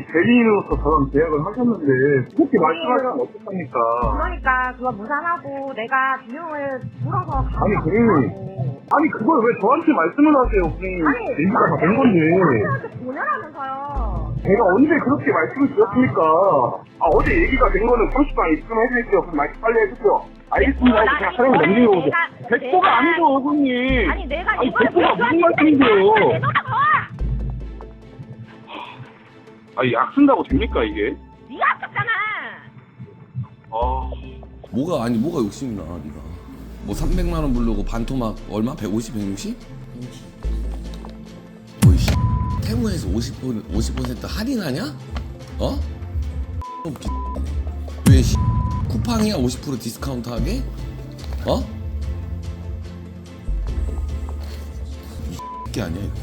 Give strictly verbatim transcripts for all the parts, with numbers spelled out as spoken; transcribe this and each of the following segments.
대리인으로서 저랑 계약을 하셨는데 그렇게 말씀하시면 어떡합니까? 그러니까 그거 무산하고 내가 비용을 물어서 아니 고객님, 아니 그걸 왜 저한테 말씀을 하세요? 고객님 얘기가 다 된 건데 사람한테 보내라면서요. 제가 언제 그렇게 말씀을 드렸습니까? 아 어제 얘기가 된 거는 삼십 분 있으면 해드릴게요. 그럼 말씀 빨리 해주세요. 알겠습니다. 어, 그냥 차량 넘기고 오세요. 백도가 아니죠 고객님. 아니 내가 아니 이걸 백도가 무슨 말씀이세요? 아 아니 약 쓴다고 됩니까 이게? 네가 아깝잖아. 아 뭐가 아니 뭐가 욕심이 나 네가 뭐 삼백만 원 부르고 반토막 얼마? 백오십, 백육십? 뭐 이 태무에서 오십 퍼센트, 오십 퍼센트 할인하냐? 어? 왜 쿠팡이야 오십 퍼센트 디스카운트 하게? 어? 이게 아니야 이거.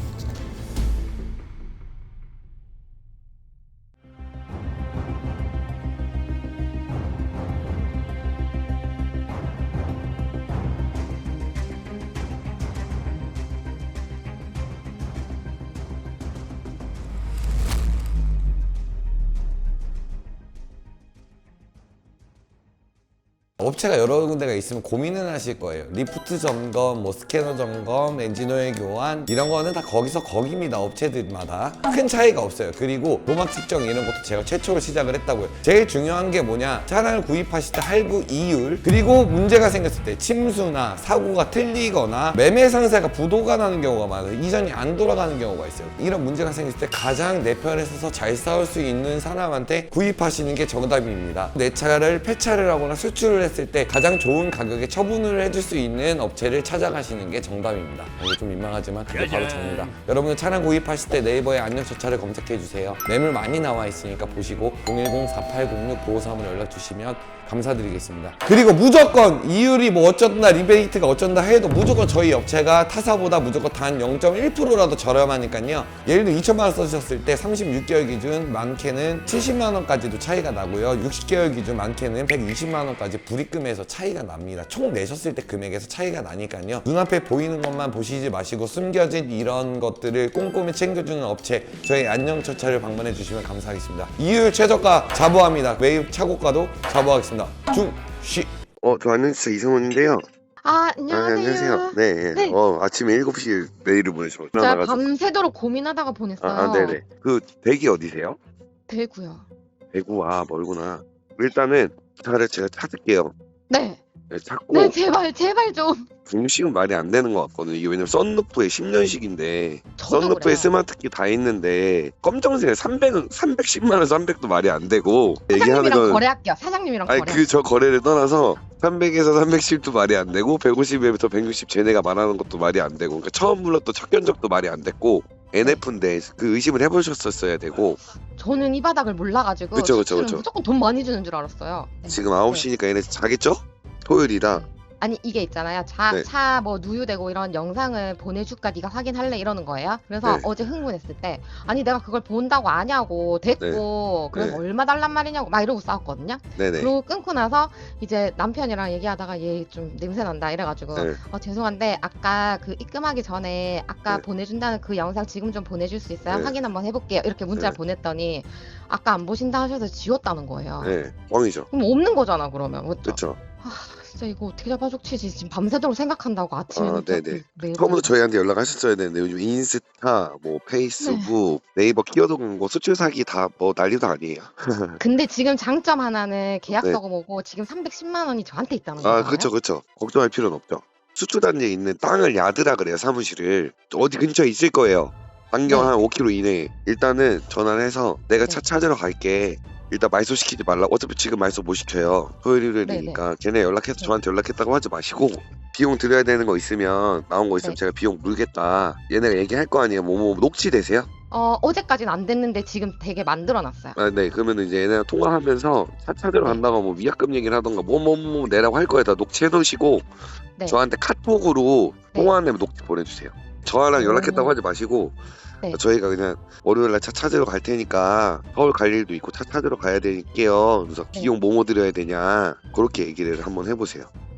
업체가 여러 군데가 있으면 고민은 하실 거예요. 리프트 점검, 뭐 스캐너 점검, 엔진오일 교환 이런 거는 다 거기서 거기입니다. 업체들마다 큰 차이가 없어요. 그리고 도막 측정 이런 것도 제가 최초로 시작을 했다고요. 제일 중요한 게 뭐냐, 차량을 구입하실 때 할부 이율, 그리고 문제가 생겼을 때 침수나 사고가 틀리거나 매매 상세가 부도가 나는 경우가 많아요. 이전이 안 돌아가는 경우가 있어요. 이런 문제가 생겼을 때 가장 내 편에 서서 잘 싸울 수 있는 사람한테 구입하시는 게 정답입니다. 내 차를 폐차를 하거나 수출을 했을 때 가장 좋은 가격에 처분을 해줄 수 있는 업체를 찾아가시는 게 정답입니다. 이게 좀 민망하지만 그게 바로 정답. 여러분들 차량 구입하실 때 네이버에 안녕저차를 검색해주세요. 매물 많이 나와 있으니까 보시고 공일공 사팔공육 구오삼으로 연락 주시면 감사드리겠습니다. 그리고 무조건 이율이 뭐 어쩐다 리베이트가 어쩐다 해도 무조건 저희 업체가 타사보다 무조건 단 영 점 일 퍼센트라도 저렴하니까요. 예를 들어 이천만 원 써주셨을 때 삼십육 개월 기준 많게는 칠십만 원까지도 차이가 나고요. 육십 개월 기준 많게는 백이십만 원까지 불입금에서 차이가 납니다. 총 내셨을 때 금액에서 차이가 나니까요. 눈앞에 보이는 것만 보시지 마시고 숨겨진 이런 것들을 꼼꼼히 챙겨주는 업체 저희 안녕처차를 방문해 주시면 감사하겠습니다. 이율 최저가 자부합니다. 매입 차고가도 자부하겠습니다. 중시. 어, 저 안녕하세요. 이성훈인데요. 아, 아, 안녕하세요. 안녕하세요. 네, 네. 어, 아침에 일곱 시 메일을 보내주셔서 제가 나가지고. 밤새도록 고민하다가 보냈어요. 아, 아, 네네. 그 댁이 어디세요? 대구요. 대구. 아, 멀구나. 일단은 차를 제가 찾을게요. 네. 네, 찾고 네, 제발, 제발 좀. 중식은 말이 안 되는 것 같거든요. 이게 왜냐면 썬루프에 십 년식인데 저도 썬루프에 그래요. 스마트키 다 있는데 검정색에 삼백은 삼백십만 원 삼백도 말이 안 되고 얘기하는 사장님이랑 건 거래할게요. 사장님이랑 아니 거래. 그 저 거래를 떠나서 삼백에서 삼백십도 말이 안 되고 백오십에부터 백육십 쟤네가 말하는 것도 말이 안 되고 그러니까 처음 불렀던 첫 견적도 말이 안 됐고 엔에프인데 그 의심을 해보셨었어야 되고 저는 이 바닥을 몰라가지고 그쵸, 그쵸, 수출은 그쵸. 무조건 돈 많이 주는 줄 알았어요. 네. 지금 아홉 시니까 얘네 자겠죠? 토요일이라 아니 이게 있잖아요. 네. 차 뭐 누유되고 이런 영상을 보내줄까 네가 확인할래 이러는 거예요. 그래서 네. 어제 흥분했을 때 아니 내가 그걸 본다고 아냐고 됐고 그래서 네. 얼마 달란 말이냐고 막 이러고 싸웠거든요. 네네 그리고 끊고 나서 이제 남편이랑 얘기하다가 얘 좀 냄새 난다 이래가지고 네. 어 죄송한데 아까 그 입금하기 전에 아까 네. 보내준다는 그 영상 지금 좀 보내줄 수 있어요? 네. 확인 한번 해볼게요. 이렇게 문자를 네. 보냈더니 아까 안 보신다 하셔서 지웠다는 거예요. 네 뻥이죠. 그럼 없는 거잖아 그러면 그쵸? 그쵸. 아 진짜 이거 어떻게 잡아죽치지 지금 밤새도록 생각한다고 아침에 아, 문자 네네. 매일 처음부터 보내고. 저희한테 연락하셨어야 되는데 요즘 인스타, 뭐 페이스북, 네. 이버 키워드 광고, 수출 사기 다 뭐 난리도 아니에요. 근데 지금 장점 하나는 계약서가 네. 뭐고 지금 삼백십만 원이 저한테 있다는 아, 거예요. 그쵸, 그쵸. 걱정할 필요는 없죠. 수출 단지에 있는 땅을 야드라 그래요, 사무실을. 어디 근처에 있을 거예요. 반경 네. 한 오 킬로미터 이내에. 일단은 전화를 해서 내가 차 네. 찾으러 갈게. 일단 말소 시키지 말라. 어차피 지금 말소 못 시켜요. 토요일이니까 걔네 연락해서 네. 저한테 연락했다고 하지 마시고 비용 드려야 되는 거 있으면 나온 거 있으면 네. 제가 비용 물겠다. 얘네가 얘기할 거 아니에요. 뭐뭐 녹취되세요? 어 어제까지는 안 됐는데 지금 되게 만들어놨어요. 아, 네. 그러면 이제 얘네랑 통화하면서 차 찾으러 네. 간다고 뭐 위약금 얘기를 하던가 뭐 뭐 뭐 내라고 할 거에다 녹취해 놓으시고 네. 저한테 카톡으로 네. 통화하면 녹취 보내주세요. 저랑 연락했다고 오. 하지 마시고 네. 저희가 그냥 월요일날 차 찾으러 갈 테니까 서울 갈 일도 있고 차 찾으러 가야 될게요. 그래서 네. 비용 뭐뭐 드려야 되냐 그렇게 얘기를 한번 해보세요. 어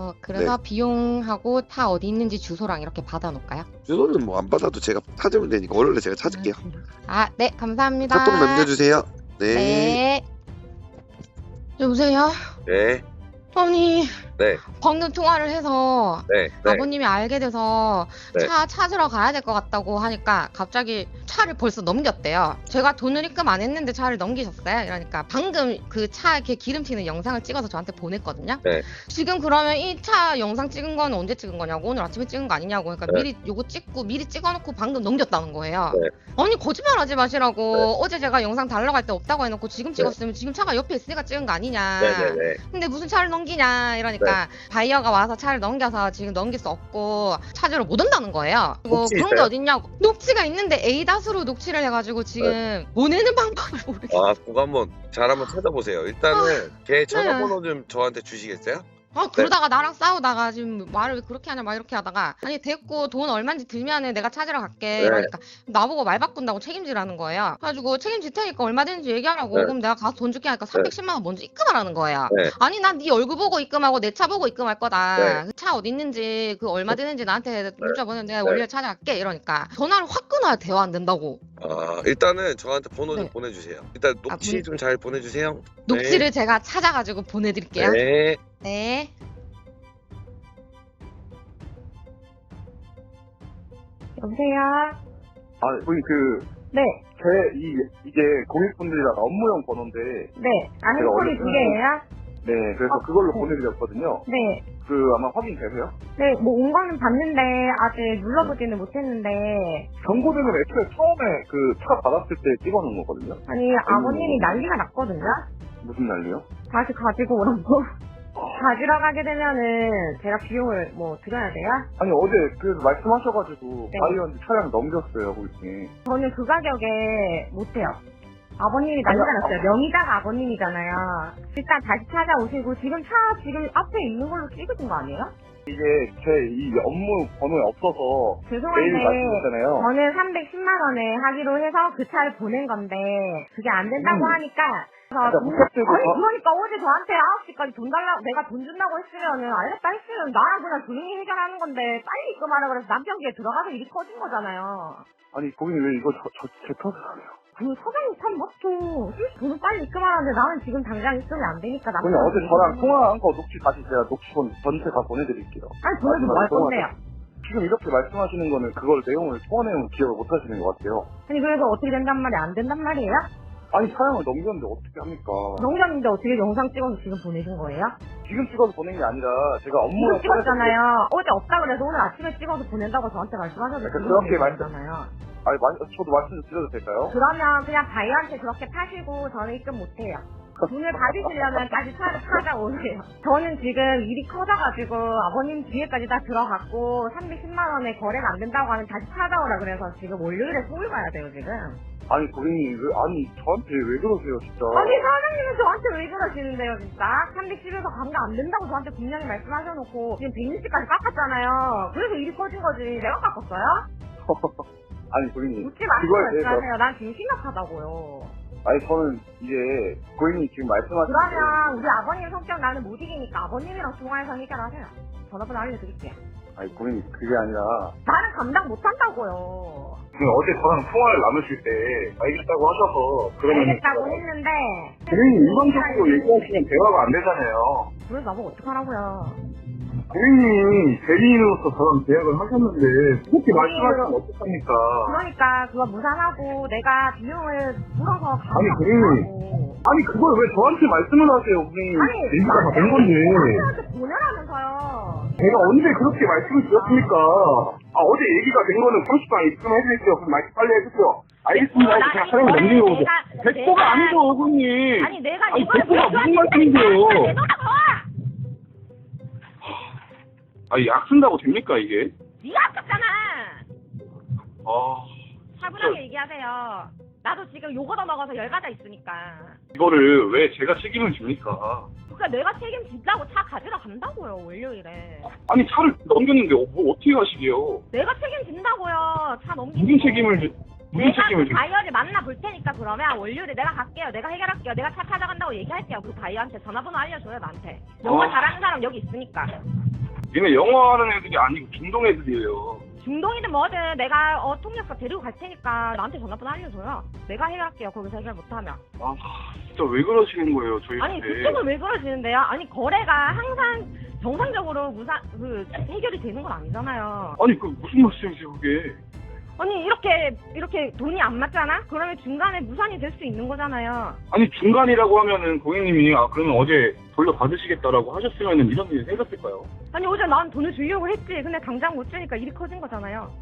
어, 그래서 비용하고 차 어디 있는지 주소랑 이렇게 받아놓을까요? 주소는 뭐 안 받아도 제가 찾으면 되니까 원래 제가 찾을게요. 아, 네, 감사합니다. 카톡 남겨주세요. 네. 네. 여보세요? 네. 아니, 네. 방금 통화를 해서 네. 네. 아버님이 알게 돼서 네. 차 찾으러 가야 될 것 같다고 하니까 갑자기 차를 벌써 넘겼대요. 제가 돈을 입금 안 했는데 차를 넘기셨어요. 이러니까 방금 그 차 이렇게 기름 튀는 영상을 찍어서 저한테 보냈거든요. 네. 지금 그러면 이 차 영상 찍은 건 언제 찍은 거냐고, 오늘 아침에 찍은 거 아니냐고. 그러니까 네. 미리 요거 찍고 미리 찍어놓고 방금 넘겼다는 거예요. 네. 아니 거짓말하지 마시라고. 네. 어제 제가 영상 달라고 할 때 없다고 해놓고 지금 찍었으면 지금 차가 옆에 있으니까 찍은 거 아니냐. 네네네. 근데 무슨 차를 넘기냐 이러니까 바이어가 와서 차를 넘겨서 지금 넘길 수 없고 찾으러 못 온다는 거예요. 그리고 녹취 그런 게 있어요? 어딨냐고. 녹취가 있는데 에이닷으로 녹취를 해가지고 지금 보내는 방법을 모르겠어요. 아, 그거 한번 잘 한번 찾아보세요. 일단은 걔 전화번호 좀 저한테 주시겠어요? 아 그러다가 나랑 싸우다가 지금 말을 왜 그렇게 하냐 막 이렇게 하다가 아니 됐고 돈 얼마인지 들면은 내가 찾으러 갈게 네. 이러니까 나보고 말 바꾼다고 책임지라는 거예요. 그래가지고 책임질 테니까 얼마든지 얘기하라고. 네. 그럼 내가 가서 돈 줄게 하니까 삼백십만 원 먼저 입금하라는 거예요. 네. 아니 난 네 얼굴 보고 입금하고 내 차 보고 입금할 거다. 네. 그 차 어디 있는지 그 얼마 드는지 나한테 문자 보내면 내가 네. 원래 찾아갈게 이러니까 전화를 확 끊어야 대화 안 된다고. 아, 일단은 저한테 번호 좀 네. 보내주세요. 일단 아, 녹취 문- 좀 잘 보내주세요. 녹취를 제가 찾아가지고 보내드릴게요. 네. 네. 여보세요? 아, 우리 그, 네, 제, 이, 이게 고객분들이랑 업무용 번호인데, 네. 아는 제가 소리 어제 두 개예요? 네, 그래서 어, 그걸로 네. 보내드렸거든요. 네. 그, 아마 확인되세요? 네, 뭐 온 거는 봤는데 아직 눌러보지는 못했는데 경고등은 애초에 처음에 그 차 받았을 때 찍어놓은 거거든요. 아니 아버님이 난리가 났거든요. 무슨 난리요? 다시 가지고 오라고. 가지러 가게 되면은 제가 비용을 뭐 드려야 돼요? 아니, 어제 그래서 말씀하셔가지고, 네. 바이오한테 차량 넘겼어요, 고객님. 저는 그 가격에 못해요. 아버님이 난리가 아니, 났어요. 명의자가 아버님이잖아요. 일단 다시 찾아오시고 지금 차 지금 앞에 있는 걸로 찍으신 거 아니에요? 이게 제 이 업무 번호에 없어서 매일 죄송한데 말씀드렸잖아요. 저는 삼백십만 원에 하기로 해서 그 차를 보낸 건데 그게 안 된다고 음. 하니까 그래서 그러니까 돈- 목적적으로 아니 더- 그러니까 어제 저한테 아홉 시까지 돈 달라고 내가 돈 준다고 했으면은 알겠다 했으면 나랑 그냥 조용히 해결하는 건데 빨리 입금하라 그래서 남편 귀에 들어가서 일이 커진 거잖아요. 아니, 고객님 왜 이거 저, 저, 제 탓을 하세요? 그 사장님 참 맞죠. 돈을 빨리 입금하라는데 나는 지금 당장 입금이 안 되니까 남편 그냥 어제 저랑 통화한 거 녹취 다시 제가 녹취 본 전체 다 보내드릴게요. 아니 보내도 뭐 할 건데요? 지금 이렇게 말씀하시는 거는 그걸 내용을, 통화 내용을 기억을 못 하시는 것 같아요. 아니 그래서 어떻게 된단 말이 안 된단 말이에요? 아니, 차량을 넘겼는데 어떻게 합니까? 농장인데 어떻게 영상 찍어서 지금 보내신 거예요? 지금 찍어서 보낸 게 아니라 제가 지금 업무용 찍었잖아요. 어제 없다 그래서 오늘 아침에 찍어서 보낸다고 저한테 말씀하셔서 그러니까 지금 그렇게 말씀- 보내셨잖아요. 아니, 마- 저도 말씀 좀 드려도 될까요? 그러면 그냥 바이한테 그렇게 파시고 저는 입금 못해요. 돈을 받으시려면 다시 차를 찾아오세요. 저는 지금 일이 커져가지고 아버님 뒤에까지 다 들어갔고 삼백십만 원에 거래가 안 된다고 하면 다시 찾아오라 그래서 지금 월요일에 서울 가야 돼요 지금. 아니, 고객님, 왜, 아니, 저한테 왜 그러세요, 진짜. 아니 사장님은 저한테 왜 그러시는데요 진짜? 삼백십에서 감가 안 된다고 저한테 분명히 말씀하셔놓고 지금 백육십까지 깎았잖아요. 그래서 일이 커진 거지 내가 깎았어요? 아니, 고객님. 묻지 마시고 그거에 대해서, 말씀하세요. 난 지금 심각하다고요. 아니, 저는 이제, 고객님 지금 말씀하신 그러면 우리 아버님 성격 나는 못 이기니까 아버님이랑 통화해서 해결하세요. 전화번호 알려드릴게요. 아니, 고객님, 그게 아니라, 나는 감당 못한다고요. 지금 어제 저랑 통화를 나누실 때, 알겠다고 하셔서, 그러면. 알겠다고 했는데 고객님, 일반적으로 얘기하시면 대화가 안 되잖아요. 그래서 나보고 어떡하라고요. 고객님이 대리인으로서 저랑 계약을 하셨는데, 그렇게 말씀하시면 어떡합니까? 그러니까 그거 무산하고 내가 비용을 물어서 아니, 고객님. 아니, 그걸 왜 저한테 말씀을 하세요, 고객님? 아니 얘기가 다 된 건데. 아버님한테 보내라면서요. 제가 언제 그렇게 말씀을 드렸습니까? 아, 어제 얘기가 된 거는 삼십 분 입금해드릴게요. 그럼 말씀 빨리 해주세요. 알겠습니다. 나 그냥 차량을 이거를 넘기고 오세요. 내가- 백도가 내가- 아니죠, 고객님. 아니 내가 아니, 이걸 백도가 무슨 말씀이세요? 아니, 약 쓴다고 됩니까, 이게? 네가 아깝잖아. 아, 차분하게 얘기하세요. 나도 지금 요거 더 먹어서 열받아 있으니까. 이거를 왜 제가 책임을 집니까? 그러니까 내가 책임진다고 차 가지러 간다고요 월요일에. 아니, 차를 넘겼는데 어, 뭐 어떻게 하시게요? 내가 책임진다고요. 차 넘기고. 무슨 책임을, 지- 무슨 내가 책임을 그 지? 바이어를 만나볼 테니까 그러면 월요일에 내가 갈게요. 내가 해결할게요. 내가 차 찾아간다고 얘기할게요. 그 바이어한테 전화번호 알려줘요 나한테. 영어 어. 잘하는 사람 여기 있으니까. 얘네 영어 하는 애들이 아니고 중동 애들이에요. 중동이든 뭐든 내가 어 통역사 데리고 갈 테니까 나한테 전화번호 알려줘요. 내가 해결할게요. 거기서 해결 못하면. 아 진짜 왜 그러시는 거예요 아니 저희한테? 그쪽은 왜 그러시는데요? 아니 거래가 항상 정상적으로 무사 그 해결이 되는 건 아니잖아요. 아니 그 무슨 말씀이세요 그게? 아니 이렇게 이렇게 돈이 안 맞잖아? 그러면 중간에 무산이 될 수 있는 거잖아요. 아니 중간이라고 하면은 고객님이 아 그러면 어제 돌려 받으시겠다라고 하셨으면은 이런 일이 생겼을까요? 아니 어제 난 돈을 주려고 했지. 근데 당장 못 주니까 일이 커진 거잖아요.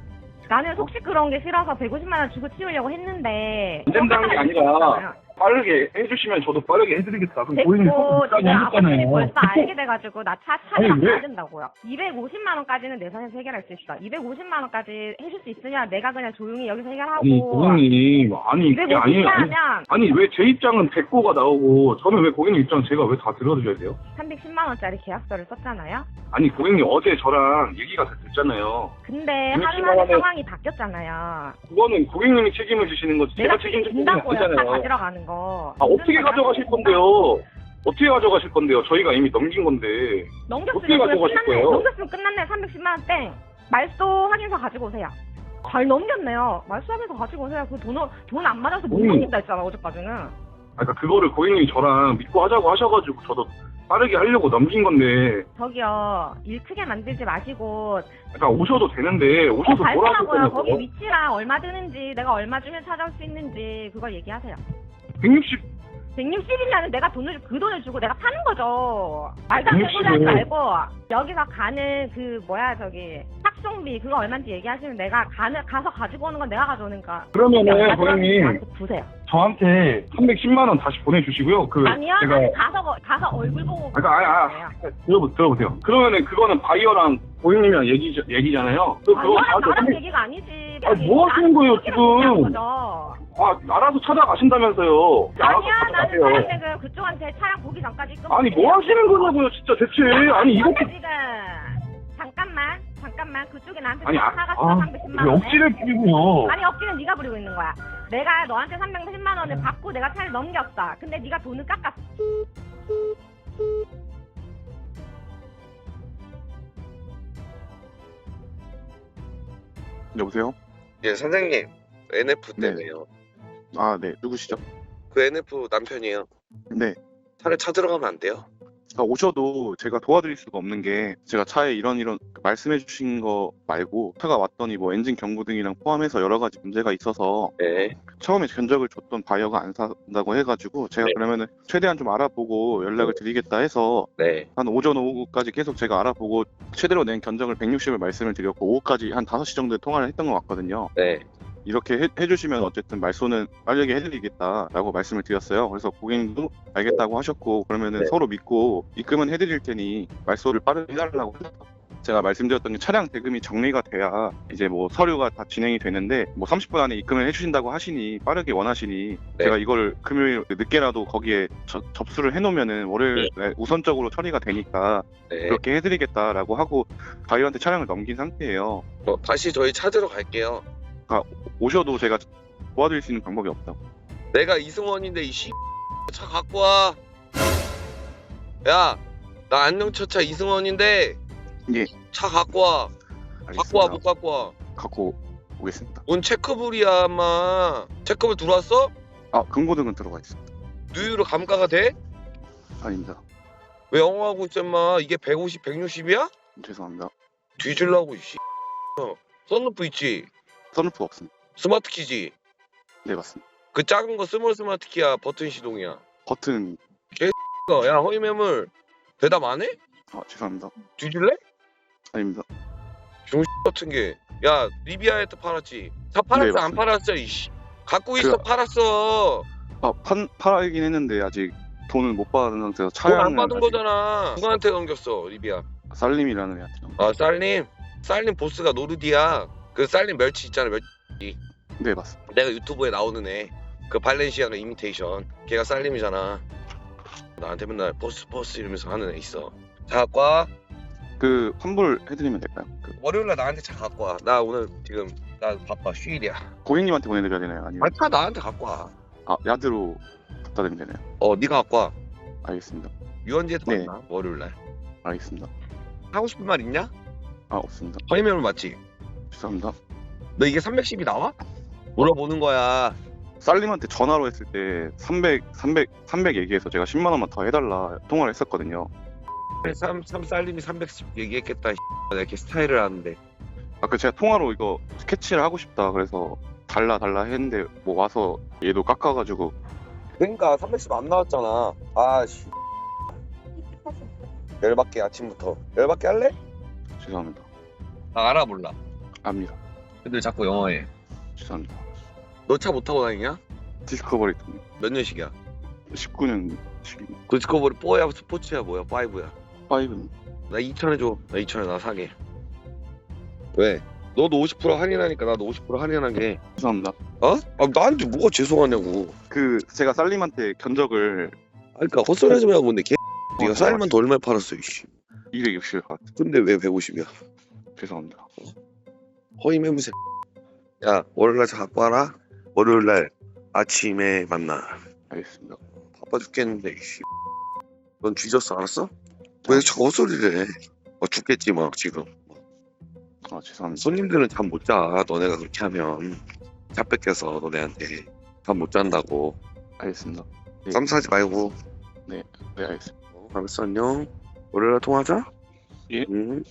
나는 속시 그런 게 싫어서 백오십만 원 주고 치우려고 했는데 안 된다는 게 아니라 빠르게 해주시면 저도 빠르게 해드리겠다. 그럼 고객님 됐고 속도 지금 아버님이 하셨잖아요. 벌써 알게 돼가지고 나 차 아니, 차량 왜? 가야 된다고요. 이백오십만 원까지는 내 선에서 해결할 수 있어. 이백오십만 원까지 해줄 수 있으면 내가 그냥 조용히 여기서 해결하고 아니 고객님 아니 그게 아니에요. 아니, 이백오십만 하면 아니 왜 제 입장은 백고가 나오고 저는 왜 고객님 입장 제가 왜 다 들어드려야 돼요? 삼백십만 원짜리 계약서를 썼잖아요. 아니 고객님 어제 저랑 얘기가 다 됐잖아요. 근데 이백십만 하루만에 원에- 상황이 바뀌었잖아요. 그거는 고객님이 책임을 지시는 거지 내가 제가 책임질 부분이 준다고요. 차 아니잖아요. 가지러 가는 거. 아 어떻게 가져가실 건데요? 어떻게 가져가실 건데요? 저희가 이미 넘긴 건데 넘겼으면 어떻게 그냥 가져가실 끝났네. 거예요? 넘겼으면 끝났네. 삼백십만 원 땡. 말소 확인서 가지고 오세요. 잘 넘겼네요. 말소 확인서 가지고 오세요. 그 돈, 돈 안 맞아서 못 음. 넘긴다 했잖아, 어제까지는. 아, 그러니까 그거를 고객님이 저랑 믿고 하자고 하셔가지고 저도 빠르게 하려고 넘긴 건데 저기요, 일 크게 만들지 마시고. 그러니까 오셔도 되는데 어, 오셔서 뭐라 하실 발표하고요. 거기 거냐고. 위치랑 얼마 드는지, 내가 얼마 주면 찾아올 수 있는지, 그걸 얘기하세요. 백육십 백육십이면 내가 돈을, 그 돈을 주고 내가 파는 거죠. 말도 안 되는 소리 하지 백육십은 말고, 여기서 가는 그, 뭐야, 저기, 탁송비, 그거 얼마인지 얘기하시면 내가 가는, 가서 가지고 오는 건 내가 가져오니까. 그러면은 고객님 저한테 부세요. 저한테 삼백십만 원 다시 보내주시고요. 그 아니요, 제가 아니, 가서, 거- 가서 얼굴 보고. 그러니까 아니, 아, 거예요. 들어보, 들어보세요. 그러면은 그거는 바이어랑 고객님이랑 얘기 얘기잖아요. 그 그거 아니요, 저한테 나랑 삼백- 얘기가 아니지. 아니, 뭐 하시는 거예요, 지금? 거죠. 아 알아서 찾아가신다면서요. 알아서 아니야, 나는 찾아가세요. 차량 지금 그쪽한테 차량 보기 전까지 끊어. 아니 뭐 하시는 거냐고요, 진짜 대체. 아니 이렇게 지금 잠깐만, 잠깐만 그쪽에 나한테 아니 아, 사갔어 아 삼백십만 왜 원. 억지를 부리고요. 아니 억지는 네가 부리고 있는 거야. 내가 너한테 삼백십만 원을 받고 내가 차를 넘겼어. 근데 네가 돈을 깎았어. 여보세요? 예 선생님 엔에프 네. 때문에요. 아, 네. 누구시죠? 그 엔에프 남편이에요. 네. 차를 찾으러 가면 안 돼요? 아, 오셔도 제가 도와드릴 수가 없는 게 제가 차에 이런 이런 말씀해 주신 거 말고 차가 왔더니 뭐 엔진 경고 등이랑 포함해서 여러 가지 문제가 있어서 네. 처음에 견적을 줬던 바이어가 안 산다고 해가지고 제가 네. 그러면은 최대한 좀 알아보고 연락을 드리겠다 해서 네. 한 오전 오후까지 계속 제가 알아보고 최대로 낸 견적을 백육십을 말씀을 드렸고 오후까지 한 다섯 시 정도에 통화를 했던 것 같거든요. 네. 이렇게 해, 해주시면 어쨌든 말소는 빠르게 해드리겠다라고 말씀을 드렸어요. 그래서 고객님도 알겠다고 하셨고 그러면은 네. 서로 믿고 입금은 해드릴 테니 말소를 빠르게 해달라고 해서 제가 말씀드렸던 게 차량 대금이 정리가 돼야 이제 뭐 서류가 다 진행이 되는데 뭐 삼십 분 안에 입금을 해주신다고 하시니 빠르게 원하시니 네. 제가 이걸 금요일 늦게라도 거기에 저- 접수를 해놓으면은 월요일 날 우선적으로 처리가 되니까 네. 그렇게 해드리겠다라고 하고 바이오한테 차량을 넘긴 상태예요. 어, 다시 저희 찾으러 갈게요. 오셔도 제가 도와드릴 수 있는 방법이 없다고. 내가 이승원인데 이 씨. 차 갖고 와. 야, 나 안녕처차 이승원인데. 예. 차 갖고 와. 갖고 와, 못 갖고 와. 갖고 오겠습니다. 뭔 체크불이야, 아마. 체크불 들어왔어? 아, 금고등은 들어가 있습니다. 누유로 감가가 돼? 아닙니다. 왜 영어하고 있어, 임마? 이게 백오십, 백육십이야? 죄송합니다. 뒤질라고, 이 씨. 어, 썬루프 있지? 선루프 없습니다. 스마트 키지? 네, 맞습니다. 그 작은 거 스몰 스마트 키야, 버튼 시동이야. 버튼, 야, 허위 매물. 대답 안 해? 아, 죄송합니다. 뒤질래? 아닙니다. 같은 게. 야, 리비아에도 팔았지. 다 팔았어, 네, 안 맞습니다. 팔았어, 이씨. 갖고 있어, 그- 팔았어. 아, 판, 팔긴 했는데 아직 돈을 못 받은 상태에서 돈 안 차량을 받은 아직 거잖아. 누구한테 넘겼어, 리비아? 살림이라는 애한테 넘- 아, 쌀님. 쌀님 보스가 노르디야. 그 쌀님 멸치 있잖아, 멸치. 네, 맞습니다. 내가 유튜브에 나오는 애. 그 발렌시아가 이미테이션. 걔가 쌀님이잖아. 나한테 맨날 버스 버스 이러면서 하는 애 있어. 차 갖고 와. 그 환불 해드리면 될까요? 그, 월요일날 나한테 차 갖고 와. 나 오늘 지금 나 바빠 쉬일이야. 고객님한테 보내드려야 되나요? 아니면 아니 차 나한테 갖고 와. 아 야드로 갖다 드리면 되나요? 어 네가 갖고 와. 알겠습니다. 유원지에서 네. 만나 월요일 날. 알겠습니다. 하고 싶은 말 있냐? 아 없습니다. 허위매물 맞지? 죄송합니다. 너 이게 삼백십이 나와? 물어보는 거야. 쌀님한테 전화로 했을 때 삼백, 삼백, 삼백 얘기해서 제가 십만 원만 더 해달라 통화를 했었거든요. 삼, 삼 쌀님이 삼백십 얘기했겠다. 내가 이렇게 스타일을 하는데. 아까 제가 통화로 이거 스케치를 하고 싶다 그래서 달라 달라 했는데 뭐 와서 얘도 깎아가지고 그러니까 삼백십 안 나왔잖아. 아씨. 열받게 아침부터. 열받게 할래? 죄송합니다. 나 알아 몰라. 압니다. 근데 자꾸 영어해. 죄송합니다. 너 차 못 타고 다니냐? 디스커버리 몇 년식이야? 십구 년식입니다. 그 디스커버리 포야 스포츠야 뭐야? 파이브야. 파이브는 나 이천 해줘. 나 이천 에 나 사게. 왜? 너도 오십 퍼센트 할인하니까 나도 오십 퍼센트 할인하게. 죄송합니다. 어? 아 나한테 뭐가 죄송하냐고. 그 제가 쌀님한테 견적을 아 그니까 헛소리 하지 말고 근데 개 네가 쌀만 더 얼마에 팔았어 이씨. 이백육십 것 같아요. 근데 왜 백오십이야? 죄송합니다. 허위 매무새. 야 월요일날 차 갖고 와라. 월요일날 아침에 만나. 알겠습니다. 바빠 죽겠는데 이씨. 넌 뒤졌어 알았어? 왜 자꾸 헛소리를 해? 어, 죽겠지 막 지금. 아 죄송합니다. 손님들은 잠 못 자. 너네가 그렇게 하면 차 뺏겨서 너네한테 잠 못 잔다고. 알겠습니다. 네. 쌈 싸지 말고. 네 알겠습니다. 어, 알았어 안녕. 월요일날 통화하자. 예. 응.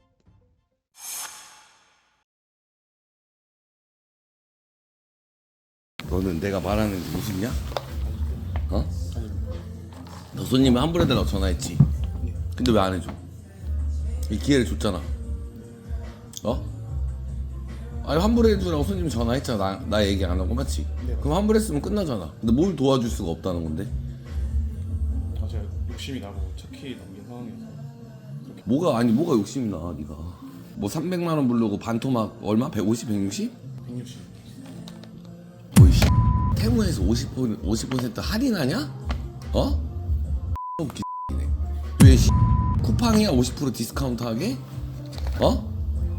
너는 내가 말하는 게 무슨냐? 어? 너 손님이 환불해달라고 전화했지? 근데 왜 안 해줘? 이 기회를 줬잖아. 어? 아니 환불해주라고 손님이 전화했잖아. 나, 나 얘기 안 하고 맞지? 그럼 환불했으면 끝나잖아. 근데 뭘 도와줄 수가 없다는 건데? 아, 제가 욕심이 나고 착히 넘긴 상황이어서 그렇게. 뭐가 아니 뭐가 욕심이 나 네가. 뭐 삼백만 원 부르고 반토막 얼마? 백오십, 백육십? 백육십. 뭐이 씨 테무에서 오십 퍼센트, 오십 퍼센트 할인하냐? 어? 웃기네. 왜 씨 쿠팡이야 오십 퍼센트 디스카운트 하게? 어?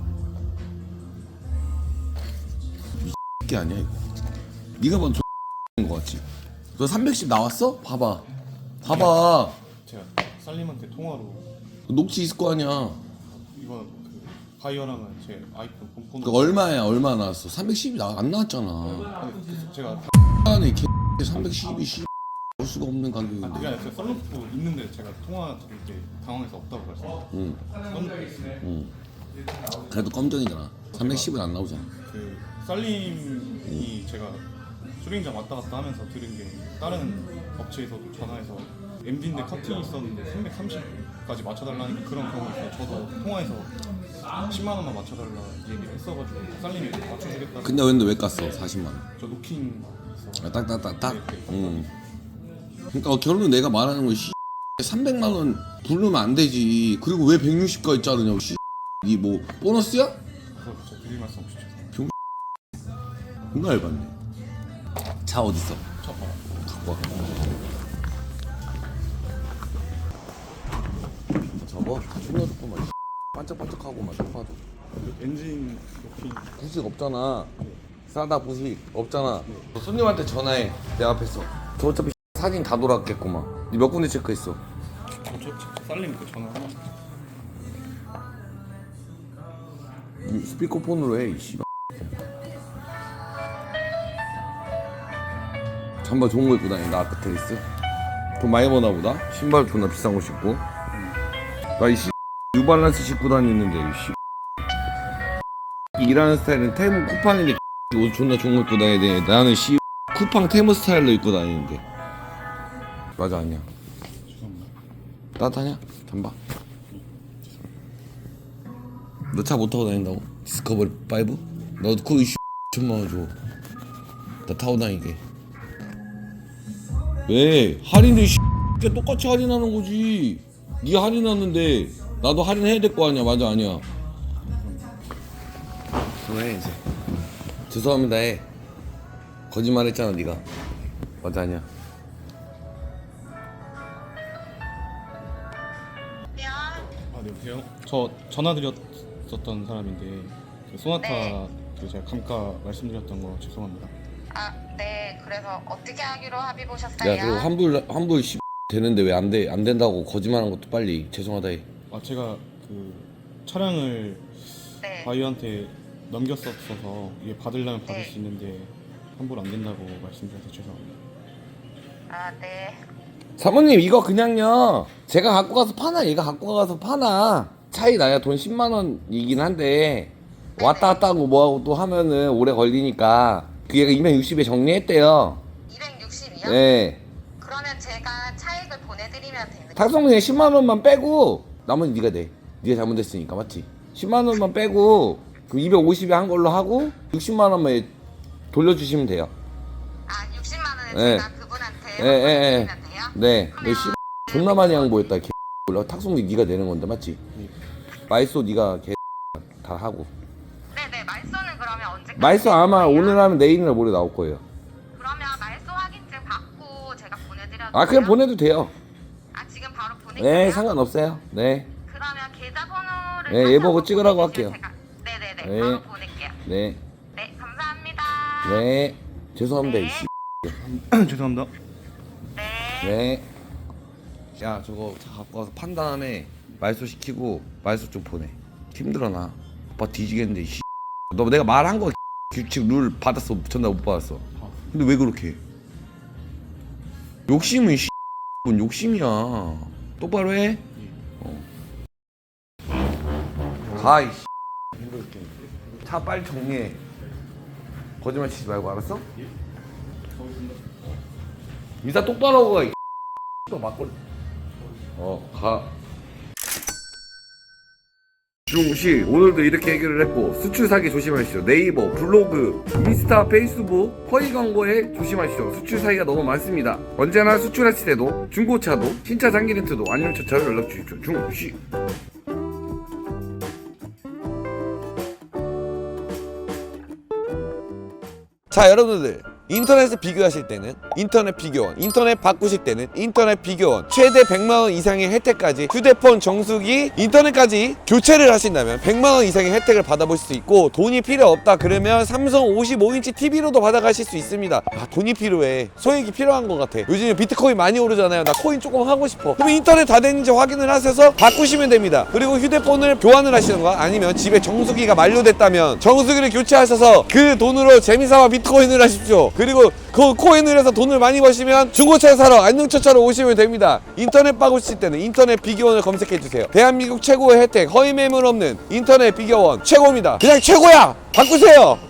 이게 아니야 이거. 네가 봐도 X인 거 같지? 너 삼백십 나왔어? 봐봐. 봐봐. 제가 쌀님한테 통화로 녹취 있을 거 아니야. 이거 그 바이어랑은 제 아이폰 본폰. 그 얼마야? 얼마 나왔어? 삼백십이 나, 안 나왔잖아. 아니, 그 제가 다- 아니 개 삼백십이 씨 볼 수가 없는 아, 그게 가격인데. 아니라 제가 썰루프 있는데 제가 통화 드릴 때 당황해서 없다고 말씀드렸어요. 응, 썰루프 있어요. 응. 그래도 검정이잖아. 삼백십은 안 나오잖아. 그 쌀님이 제가 수리인장 왔다 갔다 하면서 들은 게 다른 업체에서도 전화해서 엠디인데 커팅이 있었는데 삼백삼십까지 맞춰달라는 그런 경우가 있어요. 저도 통화해서 십만 원만 맞춰달라 얘기를 했어가지고 쌀님이 맞춰주겠다. 근데 근데 왜 깠어? 사십만 원. 저 노킹 있어. 아, 딱딱딱딱. 응. 그러니까 결론 내가 말하는 건 씨. 삼백만 원 부르면 안 되지. 그리고 왜 백육십까지 자르냐고 씨. 니 뭐 보너스야? 그래서 저 드릴 말씀 없이 죄송합니다. 존나 열받네. 차 어딨어? 첫 번. 갖고 와. 저거 존나 좋구만. 씨. 반짝반짝하고만 딱 봐도. 엔진 노킹. 부식 없잖아. 싸다 부식 없잖아. 손님한테 전화해. 내 앞에서. 저 어차피 사진 다 돌았겠구만. 니 몇 군데 체크했어? 저, 저, 저 쌀님 그 전화 하나. 이 스피커폰으로 해. 이 씨발. 잠바 좋은 거 입고 다니. 나 아크테리스. 돈 많이 버나 보다. 신발 존나 비싼 거 신고. 나 이 씨 뉴발란스 신고 다니는데 이 씨. 일하는 스타일은 테무 쿠팡인데 옷 존나 좋은 거 입고 다녀야 돼. 나는 씨 쿠팡 테무 스타일로 입고 다니는데. 맞아 아니야. 죄송합니다. 따뜻하냐? 잠바. 너 차 못 타고 다닌다고? 디스커버리 파이브? 너도 그거 씨 천만 원 줘. 나 타고 다니게. 왜? 할인도 씨 똑같이 할인하는 거지. 네가 할인하는데 나도 할인해야 될 거 아니야. 맞아 아니야. 그만해 이제. 죄송합니다 해. 거짓말 했잖아 네가. 맞아 아니야. 아, 네, 여보세요? 저 전화 드렸었던 사람인데 그 소나타 네. 그 제가 감가 말씀드렸던 거 죄송합니다. 아, 네. 그래서 어떻게 하기로 합의 보셨어요? 야 그리고 환불 환불 씨 되는데 왜 안 돼? 안 된다고 거짓말한 것도 빨리 죄송하다 해. 아 제가 그 차량을 네. 바이오한테 넘겼었어서 이게 받으려면 받을 네. 수 있는데 환불 안 된다고 말씀드려서 죄송합니다. 아, 네. 사모님 이거 그냥요 제가 갖고 가서 파나 얘가 갖고 가서 파나 차이 나야 돈 십만 원이긴 한데 왔다 갔다 하고 뭐하고 또 하면은 오래 걸리니까 그 얘가 이백육십에 정리했대요. 이백육십이요? 네. 그러면 제가 차액을 보내드리면 되는 탁성분에 십만 원만 빼고 나머지 네가 내. 네가 잘못했으니까 맞지? 십만 원만 빼고 그 이백오십에 한 걸로 하고 육십만 원만 돌려주시면 돼요. 아, 육십만 원을 네. 제가 그분한테 예, 예, 예. 보내드리면 돼요? 네. 너 씨 존나 많이 양보했다. 개 몰라. 탁송비 네가 내는 건데 맞지? 마이소 네가 개 다 하고. 네네. 말소는 그러면 언제까지? 마이소 아마 되는 거예요? 오늘 하면 내일이나 모레 나올 거예요. 그러면 말소 확인증 받고 제가 보내드려도 아 그냥 돼요? 보내도 돼요. 아, 지금 바로 보낼게요? 네 상관없어요. 네. 그러면 계좌번호를 네, 다시 얘 보고 한번 찍으라고 보내주시면 할게요. 제가... 네네네. 네. 바로 보낼게요. 네. 네, 감사합니다. 네. 죄송합니다. 네. 이씨. 죄송합니다. 네. 네. 야 저거 차 갖고 와서 판 다음에 말소 시키고 말소 좀 보내. 힘들어 나. 오빠 뒤지겠는데 씨. 너 내가 말한 거 규칙 룰 받았어 전날 못 받았어. 근데 왜 그렇게 해? 욕심은 씨. 뭔 욕심이야. 똑바로 해. 어. 가 이씨. 차 빨리 정리해. 거짓말 치지 말고 알았어? 인사 똑바로 하고 가. 이 또 막걸리. 어, 가. 중시 오늘도 이렇게 해결을 했고 수출 사기 조심하시죠. 네이버, 블로그, 인스타, 페이스북 허위 광고에 조심하시죠. 수출 사기가 너무 많습니다. 언제나 수출하실 때도 중고차도 신차 장기 렌트도 아니면 저차로 연락 주십시오. 중시. 자 여러분들 인터넷을 비교하실 때는 인터넷 비교원, 인터넷 바꾸실 때는 인터넷 비교원, 최대 백만 원 이상의 혜택까지 휴대폰, 정수기, 인터넷까지 교체를 하신다면 백만 원 이상의 혜택을 받아보실 수 있고, 돈이 필요 없다 그러면 삼성 오십오 인치 티비로도 받아가실 수 있습니다. 아 돈이 필요해. 소액이 필요한 것 같아. 요즘에 비트코인 많이 오르잖아요. 나 코인 조금 하고 싶어. 그럼 인터넷 다 됐는지 확인을 하셔서 바꾸시면 됩니다. 그리고 휴대폰을 교환을 하시던가 아니면 집에 정수기가 만료됐다면 정수기를 교체하셔서 그 돈으로 재미삼아 비트코인을 하십시오. 그리고 그 코인을 해서 돈을 많이 버시면 중고차 사러 안녕처차로 오시면 됩니다. 인터넷 바꾸실 때는 인터넷 비교원을 검색해주세요. 대한민국 최고의 혜택, 허위 매물 없는 인터넷 비교원 최고입니다. 그냥 최고야! 바꾸세요!